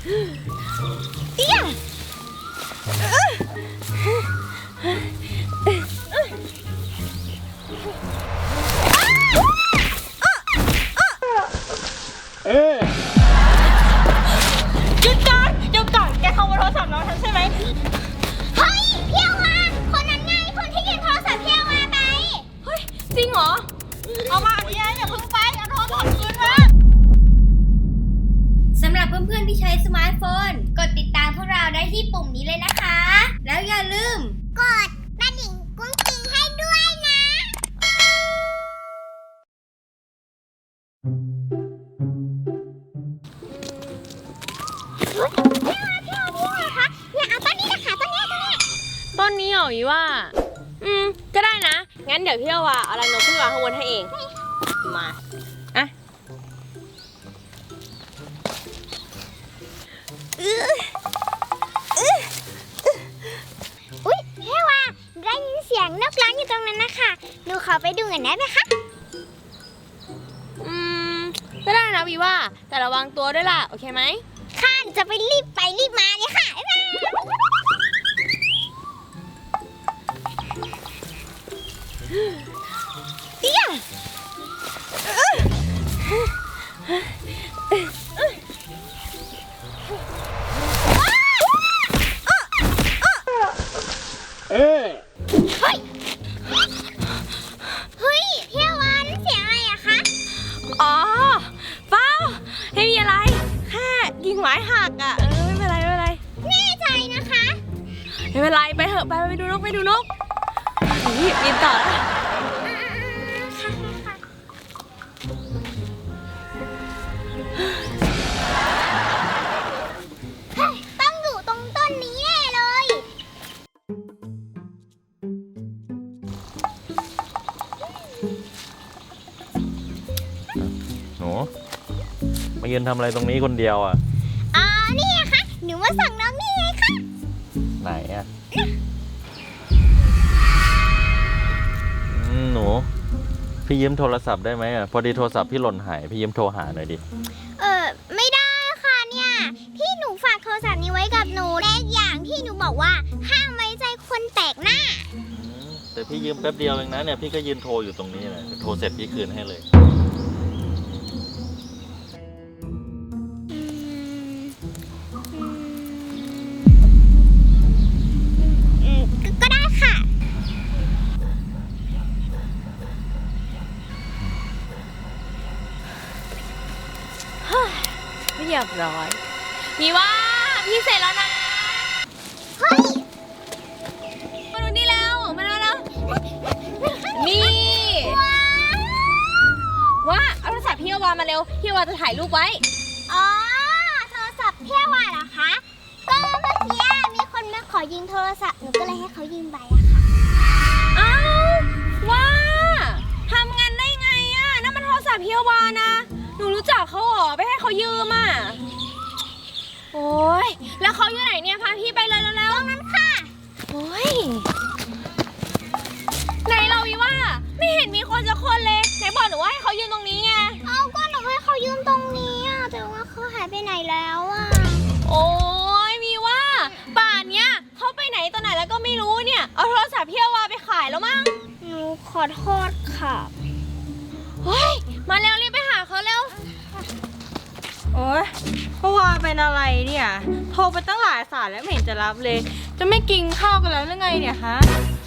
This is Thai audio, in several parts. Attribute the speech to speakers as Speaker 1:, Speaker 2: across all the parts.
Speaker 1: เอี้ยหยุดก่อนแกขโมยโทรศัพท์น้องฉันใช่ไหมเฮ้ยเพี้ยวมาคนนั้นไงคนที่ยืมโทรศัพท์เพี้ยวมาไปเฮ้ยจริงเหรอเอามาเดี๋ยวอย่าเพิ่งไปเอาโทรศัพท์คืนมาสำหรับเพื่อนๆที่ใช้สมาร์ทโฟนกดติดตามพวกเราได้ที่ปุ่มนี้เลยนะคะแล้วอย่าลืมกดกระดิ่งกุ้งกิ้งให้ด้วยนะ
Speaker 2: ต้นนี้เหรอวิว่าก็ได้นะงั้นเดี๋ยวพี่ว่าเอารังนกขึ้นวางข้างบนให้เองมาอ่ะ
Speaker 1: อุ๊ยเฮ้ว่าได้ยินเสียงนกร้องอยู่ตรงนั้นนะคะหนูขอไปดูกันได้ไหมคะ
Speaker 2: ก็ได้นะวิว่าแต่ระวังตัวด้วยล่ะโอเคไหม
Speaker 1: ค่ะจะไปรีบมาเลยค่ะบ๊ายบายเตี้ยเฮ้ยเที่ยววานเสียงอะไรอะคะ
Speaker 2: อ๋อเปล่าไม่มีอะไรแค่กิ่งไม้หักอ่ะไม่เป็นไร
Speaker 1: แน่ใจนะคะ
Speaker 2: ไม่เป็นไรไปเถอะไปดูนกบินต่อแล้ว
Speaker 1: ต้องอยู่ตรงต้นนี้แน่เลย
Speaker 3: หนูมายืนทำอะไรตรงนี้คนเดียวอ่ะ
Speaker 1: นี่ไงคะหนูมาสั่งน้องนี่ไงคะ
Speaker 3: ไหนอ่ะหนูพี่ยืมโทรศัพท์ได้ไหมอ่ะพอดีโทรศัพท์พี่หล่นหายพี่ยืมโทรหาหน่อยดิ
Speaker 1: ไม่ได้ค่ะเนี่ยพี่หนูฝากโทรศัพท์นี้ไว้กับหนูและอย่างที่หนูบอกว่าห้ามไว้ใจคนแปลกหน้า
Speaker 3: แต่พี่ยืมแป๊บเดียวเองนะเนี่ยพี่ก็ยืนโทรอยู่ตรงนี้แหละโทรเสร็จพี่คืนให้เลย
Speaker 1: ก็ได้ค่ะ
Speaker 2: เรียบร้อยมีว่าพี่เสร็จแล้วนะ
Speaker 1: เฮ้ย
Speaker 2: มาดูนี่แล้วมาแล้วนี่ว่าเอาโทรศัพท์พี่วามาเร็วพี่วาจะถ่ายรูปไว้
Speaker 1: โทรศัพท์เพี้ยวาเหรอคะก็เมื่อกี้มีคนมาขอยืมโทรศัพท์หนูก็เลยให้เขายืมไปอะค่ะ
Speaker 2: อ้าวว่าทำงานได้ไงอะนั่นมันโทรศัพท์เพี้ยวานะหนูรู้จักเขาหรอไปให้เขายืมอ่ะโอ้ยแล้วเขาอยู่ไหนเนี่ยพาพี่ไปเลยแล้ว
Speaker 1: ตรงนั้นค่ะ
Speaker 2: โอ้ยไหนเราวิว่าไม่เห็นมีคนจะคนเลยไหนบอกหนูว่าให้เขายืมตรงนี้ไง
Speaker 1: ก็หนูให้เขายืมตรงนี้อะแต่ว่าเขาหายไปไหนแล้วอะ
Speaker 2: โอ้ยมีว่าป่านเนี้ยเขาไปไหนตอนไหนแล้วก็ไม่รู้เนี่ยเอาโทรศัพท์เพี้ยวาไปขายแล้วมั้ง
Speaker 1: หนูขอโทษค่ะ
Speaker 2: เฮ้ยมาเร็วรีบไปหาเขาเร็ว
Speaker 4: โอ๊ยก็ว่าเป็นอะไรเนี่ยโทรไปตั้งหลายสายแล้วไม่เห็นจะรับเลยจะไม่กินข้าวกันแล้วหรือไงเนี่ยฮะ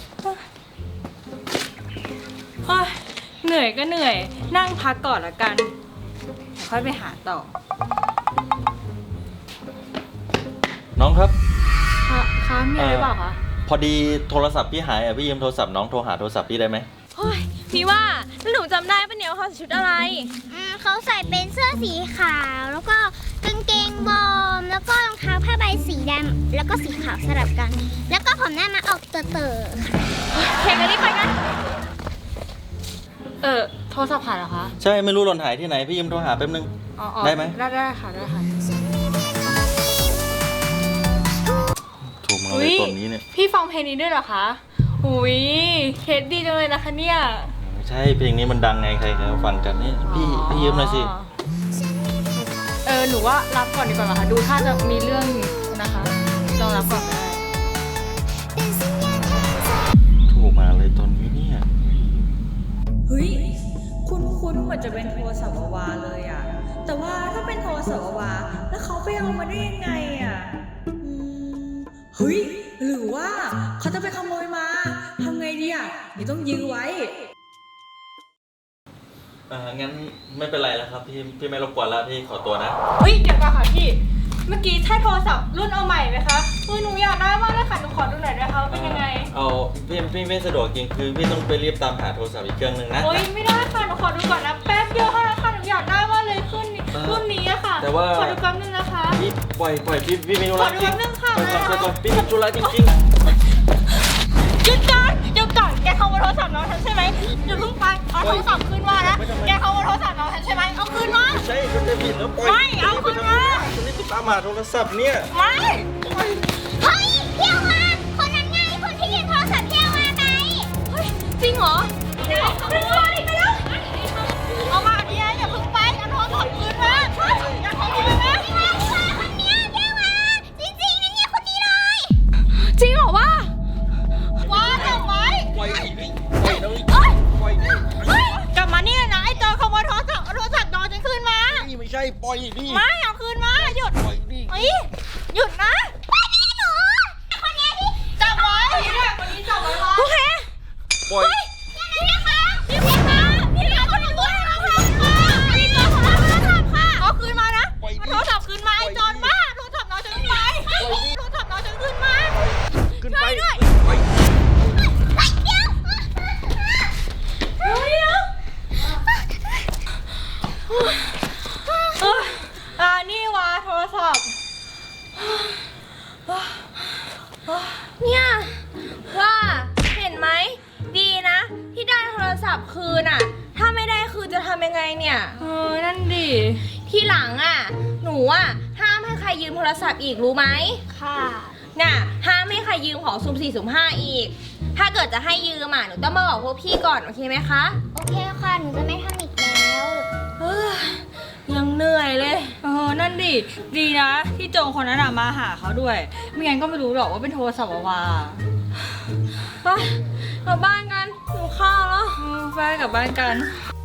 Speaker 4: เหนื่อยก็เหนื่อยนั่งพักก่อนละกันเดี๋ยวค่อยไปหาต่อ
Speaker 3: น้องครับ
Speaker 4: คะมีอะไรเปล่าคะ
Speaker 3: พอดีโทรศัพท์พี่หายอ่ะพี่ยืมโทรศัพท์น้องโทรหาโทรศัพท์พี่ได้ไหม
Speaker 2: เฮ้ยพี่ว่าหนูจำได้ปะเนี่ยว่าเขาใส่ชุดอะไร
Speaker 1: เขาใส่เป็นเสื้อสีขาวแล้วก็กางเกงบอมแล้วก็รองเท้าผ้าใบสีดำแล้วก็สีขาวสลับกันแล้วก็ผมหน้ามาออกเต๋อ
Speaker 2: แข่งกันรีบไปกัน
Speaker 4: โทรศัพท์หายเหรอคะ
Speaker 3: ใช่ไม่รู้หล่นหายที่ไหนพี่ยืมโทรหาแป๊บนึงได้ไหม
Speaker 4: ได้ค่ะ
Speaker 3: โทรมาเลยตอนนี้เนี่ย
Speaker 4: พี่ฟังเพลงนี้ด้วยเหรอคะอุ้ยเคสดีจังเลยนะคะเนี่ย
Speaker 3: ใช่เพลงนี้มันดังไงใครเขาฟังกันนี่พี่ยืมหน่อยสิ
Speaker 4: หนูว่ารับก่อนดีกว่าค่ะ ดูถ้าจะมีเรื่องนะคะลองรับก่อนก็ได้
Speaker 3: โทรมาเลยตอนนี้เนี่ย
Speaker 4: เฮ้ยคุ้นเหมือนจะเป็นโทรศัพท์วาวาเลยอ่ะ แต่ว่าถ้าเป็นโทรศัพท์วาวาแล้วเขาไปเอามาได้ยังไงอ่ะเฮ้ยหรือว่าเขาจะไปขโมยมาทำไงดีอ่ะเดี๋ยวต้องยื้อไว้
Speaker 3: งั้นไม่เป็นไรแล้วครับพี่ไม่รบกวนแล้วพี่ขอตัวนะ
Speaker 4: เฮ้ยเดี๋ยวก่อนค่ะพี่ เมื่อกี้ใช่โทรศัพท์รุ่นเอาใหม่ไหมคะหนูอยากได้มากเลยค่ะหนูขอดูหน่อยได้คะว่าเป็นยังไง
Speaker 3: เอาพี่ไม่สะดวกจริงคือพี่ต้องไปรีบตามหาโทรศัพท์อีกเครื่องหนึ่งนะ
Speaker 4: โอ๊ยไม่ได้ค่ะหนูขอดูก่อนนะแป๊บเดียวเท่านั้นค่ะหนูอยากได้มากเลยรุ่นนี้อะค่ะ
Speaker 3: แต่ว่า
Speaker 4: ขอดูแป๊บนึงนะคะ
Speaker 3: พี่ปล่อยพี่มีธุระจริง
Speaker 4: ขอดูแป๊บนึงค่ะ
Speaker 3: ปล่อยก่อนพี่มีธุระจริง
Speaker 1: หยุดก่อนแกขโมยโทรศัพท์น้องฉันใช่ไหมอย่าเพิ่งไปเอาโทรศัพท์คืนมานะแกขโมยโทรศัพท์น้องฉันใช่ไหมเอาคืนมา
Speaker 3: ๆใช่ก็จะผิดแล้วปล่อย
Speaker 1: ไม่เอาคืนมา
Speaker 3: ฉันนี่ไปตามหาโทรศัพท์เนี่ย
Speaker 1: ไม่ เฮ้ยเพียวมาคนนั้นไงคนที่ยืมโทรศัพท์เพียวมาไป
Speaker 2: เฮ้ย จริงเหรอ
Speaker 1: ไหนขโมยไปแล้วเอามาเดียวอย่าเพิ่งไปเอาโทรศัพท์คืนมาอย่าขโมยนะคนเนี้ยเพียวมาจริงๆนะเนี่ยคนนี้เลย
Speaker 2: จริงเหรอวะ
Speaker 1: ว้าจับไว้
Speaker 3: ปล่อยดิปล่อยนะ
Speaker 1: เอ้ย
Speaker 3: ปล่อยดิ
Speaker 1: เฮ้ยกลับมาเนี่ยนะไอ้โจรขโมยโทรศัพท์เอาโทรศัพท์น้องฉันคืนมา
Speaker 3: นี่ไม่ใช่ปล่อยดิ
Speaker 1: ไม่เอาคืนมาหยุด
Speaker 3: ปล่อยดิ
Speaker 1: เฮ้ยหยุดนะไปนี่หนูคนนี้ที่จับไว้คนนี้จับไว้ไว้
Speaker 2: โอเค
Speaker 3: ปล่อย
Speaker 1: พี่นะคะพี่คะพี่คะคนนี้ตัวเราค่ะพี่โจรขโมยโทรศัพท์ค่ะเอาคืนมานะเอาโทรศัพท์คืนมาไอ้โจรบ้าโทรศัพท์น้องฉันคืนมาโทรศัพท์น้องฉันคืนมา
Speaker 3: ขึ้นไป
Speaker 1: ช่วยด้วย
Speaker 3: ปล่อย
Speaker 1: ไปเดี๋ยว
Speaker 4: นี่วะโทรศัพท์
Speaker 2: เนี่ยว่าเห็นไหมดีนะ ที่ได้โทรศัพท์คืนอ่ะ ถ้าไม่ได้คืนจะทำยังไงเนี่ย
Speaker 4: นั่นดิ
Speaker 2: ที่หลังอ่ะ หนูอ่ะห้ามให้ใครยืมโทรศัพท์อีกรู้ไหม
Speaker 1: ค่ะ
Speaker 2: น่ะห้ามให้ใครยืมของสุ่ม4สุ่ม5อีก ถ้าเกิดจะให้ยืมอ่ะหนูต้องมาบอกพวกพี่ก่อนโอเคไหมคะ
Speaker 1: โอเคค่ะหนูจะไม่ทำอีกแล้ว
Speaker 2: เฮ้ยยังเหนื่อยเลย
Speaker 4: นั่นดิ ดีนะ ที่โจรคนนั้นมาหาเขาด้วย ไม่งั้นก็ไม่รู้หรอกว่าเป็นโทรศัพท์วาวา
Speaker 2: ไปกลับบ้านกันหิวข้าวแล้ว
Speaker 4: ไปกลับบ้านกัน
Speaker 2: ไ